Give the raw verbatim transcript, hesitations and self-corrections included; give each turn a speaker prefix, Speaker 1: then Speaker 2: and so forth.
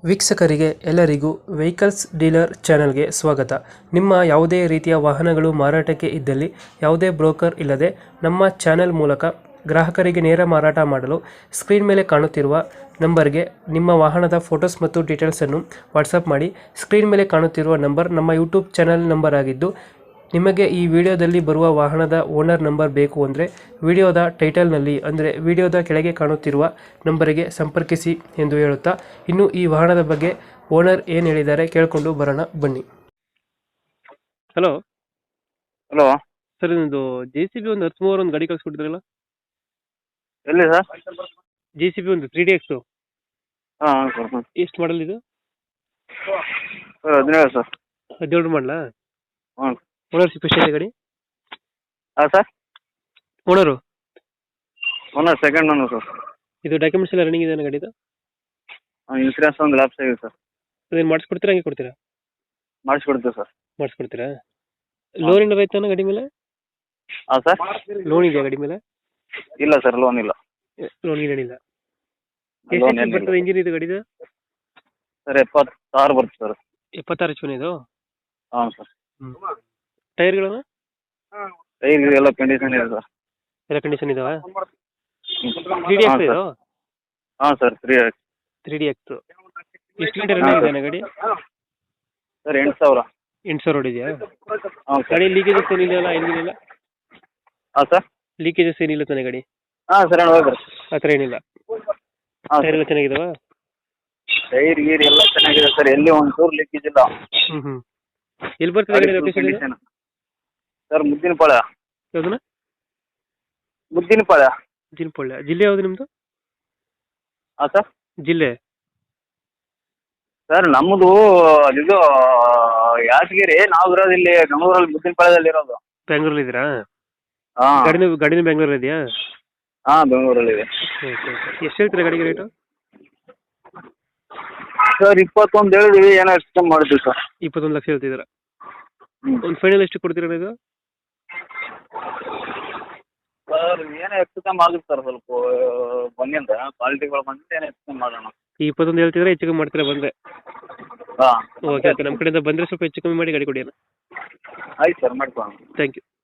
Speaker 1: ವೀಕ್ಷಕರಿಗೆ ಎಲ್ಲರಿಗೂ vehicles dealer ಚಾನೆಲ್ಗೆ ಸ್ವಾಗತ. ನಿಮ್ಮ ಯಾವುದೇ ರೀತಿಯ ವಾಹನಗಳು ಮಾರಾಟಕ್ಕೆ ಇದ್ದಲ್ಲಿ ಯಾವುದೇ ಬ್ರೋಕರ್ ಇಲ್ಲದೆ ನಮ್ಮ ಚಾನೆಲ್ ಮೂಲಕ ಗ್ರಾಹಕರಿಗೆ ನೇರ ಮಾರಾಟ ಮಾಡಲು ಸ್ಕ್ರೀನ್ ಮೇಲೆ ಕಾಣುತ್ತಿರುವ ನಂಬರ್ಗೆ ನಿಮ್ಮ ವಾಹನದ ಫೋಟೋಸ್ ಮತ್ತು ಡೀಟೇಲ್ಸನ್ನು ವಾಟ್ಸಪ್ ಮಾಡಿ. ಸ್ಕ್ರೀನ್ ಮೇಲೆ ಕಾಣುತ್ತಿರುವ ನಂಬರ್ ನಮ್ಮ ಯೂಟ್ಯೂಬ್ ಚಾನೆಲ್ ನಂಬರ್ ಆಗಿದ್ದು, ನಿಮಗೆ ಈ ವಿಡಿಯೋದಲ್ಲಿ ಬರುವ ವಾಹನದ ಓನರ್ ನಂಬರ್ ಬೇಕು ಅಂದರೆ ವಿಡಿಯೋದ ಟೈಟಲ್ನಲ್ಲಿ ಅಂದರೆ ವಿಡಿಯೋದ ಕೆಳಗೆ ಕಾಣುತ್ತಿರುವ ನಂಬರಿಗೆ ಸಂಪರ್ಕಿಸಿ ಎಂದು ಹೇಳುತ್ತಾ, ಇನ್ನು ಈ ವಾಹನದ ಬಗ್ಗೆ ಓನರ್ ಏನು ಹೇಳಿದ್ದಾರೆ ಕೇಳಿಕೊಂಡು ಬರೋಣ ಬನ್ನಿ. ಹಲೋ
Speaker 2: ಹಲೋ
Speaker 1: ಸರ್, ನಿಮ್ಮದು ಜೆ ಸಿ ಬಿ ಒಂದು ಹತ್ತು ಒಂದು ಗಾಡಿ ಕಳಿಸ್ಕೊಟ್ಟಿದ್ರಲ್ಲ?
Speaker 2: ಎಲ್ಲಿ ಸರ್?
Speaker 1: ಜೆ ಸಿ ಬಿ ಒಂದು ತ್ರೀ ಡಿ ಎಕ್ಸು
Speaker 2: ಹಾಂ ಸರ್. ಹ್ಞೂ
Speaker 1: ಎಷ್ಟು ಮಾಡಲ್ ಇದು?
Speaker 2: ಸರ್ ಹದಿನೇಳು ಸರ್.
Speaker 1: ಹದಿನೇಳು ಮಾಡಲಾ?
Speaker 2: ಹ್ಞೂ.
Speaker 1: ಓನರ್ಶಿಪ್ ಎಷ್ಟಿದೆ ಗಾಡಿ?
Speaker 2: ಹಾಂ sir.
Speaker 1: Owner
Speaker 2: owner second owner sir.
Speaker 1: ಇದು ಡಾಕ್ಯುಮೆಂಟ್ಸ್ ಎಲ್ಲ ರನ್ನಿಂಗ್ ಇದೆ ಗಾಡಿದು?
Speaker 2: ಹಾಂ, ಇನ್ಸೂರೆನ್ಸ್ ಒಂದು ಲ್ಯಾಪ್ಸ್ ಆಗಿದೆ ಸರ್.
Speaker 1: ಅದೇನು ಮಾಡಿಸ್ಕೊಡ್ತೀರಾ ಹಂಗೆ ಕೊಡ್ತೀರಾ?
Speaker 2: ಮಾಡಿಸ್ಕೊಡ್ತೀವಿ ಸರ್.
Speaker 1: ಮಾಡಿಸ್ಕೊಡ್ತೀರಾ? ಲೋನ್ ಏನಾರು ಆಯ್ತಾನ ಗಾಡಿ ಮೇಲೆ?
Speaker 2: ಹಾಂ ಸರ್.
Speaker 1: ಲೋನ್ ಇದೆಯಾ ಗಾಡಿ ಮೇಲೆ?
Speaker 2: ಇಲ್ಲ ಸರ್, ಲೋನ್ ಇಲ್ಲ.
Speaker 1: ಲೋನ್ ಏನಿಲ್ಲ.
Speaker 2: ಲೋನ್
Speaker 1: ಎಷ್ಟು ಬರ್ತದೆ ಇಂಜಿನ್ ಇದು ಗಾಡಿದು?
Speaker 2: ಸರ್ ಎಪ್ಪತ್ತಾರು ಬರುತ್ತೆ ಸರ್.
Speaker 1: ಎಪ್ಪತ್ತಾರು ಎಚ್ ಇದು?
Speaker 2: ಹಾಂ ಸರ್.
Speaker 1: ಹ್ಞೂ. ಟೈರ್ಗಳನ್ನು?
Speaker 2: ಟೈರ್ ಎಲ್ಲ ಕಂಡೀಷನ್ ಇದೆ ಸರ್.
Speaker 1: ಎಲ್ಲ ಕಂಡೀಷನ್ ಇದಾವೆ? ತ್ರೀ ಡಿ ಎಕ್ಸ್ ಇದು?
Speaker 2: ಹಾಂ sir, three
Speaker 1: three D X. ಎಷ್ಟು ಲೀಟರ್ ಇದೆ ಗಾಡಿ?
Speaker 2: ಸರ್ ಎಂಟು ಸಾವಿರ.
Speaker 1: ಎಂಟು ಸಾವಿರ ಹೊಡಿದೆಯಾ?
Speaker 2: ಹಾಂ ಸರ್.
Speaker 1: ಗಾಡಿ ಲೀಕೇಜಸ್ ಏನಿಲ್ಲ, ಏನಿಲ್ಲ?
Speaker 2: ಹಾಂ ಸರ್.
Speaker 1: ಲೀಕೇಜಸ್ ಏನಿಲ್ಲ ತಾನೆ ಗಾಡಿ?
Speaker 2: ಹಾಂ ಸರ್, ಹೇಳಿ ಹೋಗ್ರಿ.
Speaker 1: ಆ ಥರ ಏನಿಲ್ಲ?
Speaker 2: ಹಾಂ
Speaker 1: ಟೈರ್ ಎಲ್ಲ ಚೆನ್ನಾಗಿದಾವ?
Speaker 2: ಟೈರ್ ಗೀರ್ ಎಲ್ಲ ಚೆನ್ನಾಗಿದೆ ಸರ್, ಎಲ್ಲಿ ಒಂದು ಚೂರು ಲೀಕೇಜ್ ಇಲ್ಲ.
Speaker 1: ಹ್ಞೂ ಹ್ಞೂ. ಎಲ್ಲಿ ಬರ್ತದೆ ಗಾಡಿ ಲೊಕೇಶನ್?
Speaker 2: Condition sir, ಮುದ್ದಿನಪಾಳ್ಯ.
Speaker 1: ಯಾವ್ದನ?
Speaker 2: ಮುದ್ದಿನಪಾಳ್ಯ.
Speaker 1: ಮುದ್ದಿನಪಾಳ್ಯ. ಜಿಲ್ಲೆ ಯಾವುದು ನಿಮ್ಮದು?
Speaker 2: ಹಾಂ ಸರ್.
Speaker 1: ಜಿಲ್ಲೆ
Speaker 2: ಸರ್ ನಮ್ಮದು ಇದು ಯಾದಗಿರಿ, ನಾವು ಇರೋದು ಇಲ್ಲಿ ಬೆಂಗಳೂರಲ್ಲಿ ಮುದ್ದಿನಪಾಳ್ಯದಲ್ಲಿ ಇರೋದು.
Speaker 1: ಬೆಂಗಳೂರಲ್ಲಿ ಇದ್ದೀರಾ?
Speaker 2: ಹಾಂ.
Speaker 1: ಗಾಡಿನ ಗಾಡಿನ ಬೆಂಗಳೂರಲ್ಲಿ ಇದೆಯಾ?
Speaker 2: ಹಾಂ, ಬೆಂಗಳೂರಲ್ಲಿದೆ.
Speaker 1: Okay okay. ಎಷ್ಟು ಹೇಳ್ತೀರಾ ಗಾಡಿಗೆ ರೇಟು?
Speaker 2: ಸರ್ ಇಪ್ಪತ್ತೊಂದು ಹೇಳಿದ್ವಿ, ಏನೋ ಹೆಚ್ಚು ಕಮ್ಮಿ ಮಾಡಿದ್ವಿ ಸರ್.
Speaker 1: ಇಪ್ಪತ್ತೊಂದು ಲಕ್ಷ ಹೇಳ್ತಿದ್ದೀರಾ?
Speaker 2: ಹ್ಞೂ.
Speaker 1: ಒಂದು ಫೈನಲ್ ಎಷ್ಟು ಕೊಡ್ತೀರಾ ಇದು?
Speaker 2: ಸರ್ ಏನೋ ಹೆಚ್ಚು ಕಮ್ಮಿ ಆಗುತ್ತೆ ಸರ್, ಸ್ವಲ್ಪ ಬಂದಿಂದ ಕ್ವಾಲಿಟಿಗಳು ಬಂದಿದ್ದು ಏನೋ ಹೆಚ್ಚು ಕಮ್ಮಿ ಮಾಡೋಣ.
Speaker 1: ಈ ಇಪ್ಪತ್ತೊಂದು ಹೇಳ್ತಿದ್ರೆ ಹೆಚ್ಚು ಕಮ್ಮಿ ಮಾಡ್ತೀರಾ ಬಂದರೆ?
Speaker 2: ಹಾಂ.
Speaker 1: Okay okay. ನಮ್ಮ ಕಡೆಯಿಂದ ಬಂದರೆ ಸ್ವಲ್ಪ ಹೆಚ್ಚು ಕಮ್ಮಿ ಮಾಡಿ ಗಾಡಿ ಕೊಡಿ ಅಣ್ಣ.
Speaker 2: ಆಯ್ತು ಸರ್, ಮಾಡ್ಕೊಳ್ಳೋಣ.
Speaker 1: Thank you.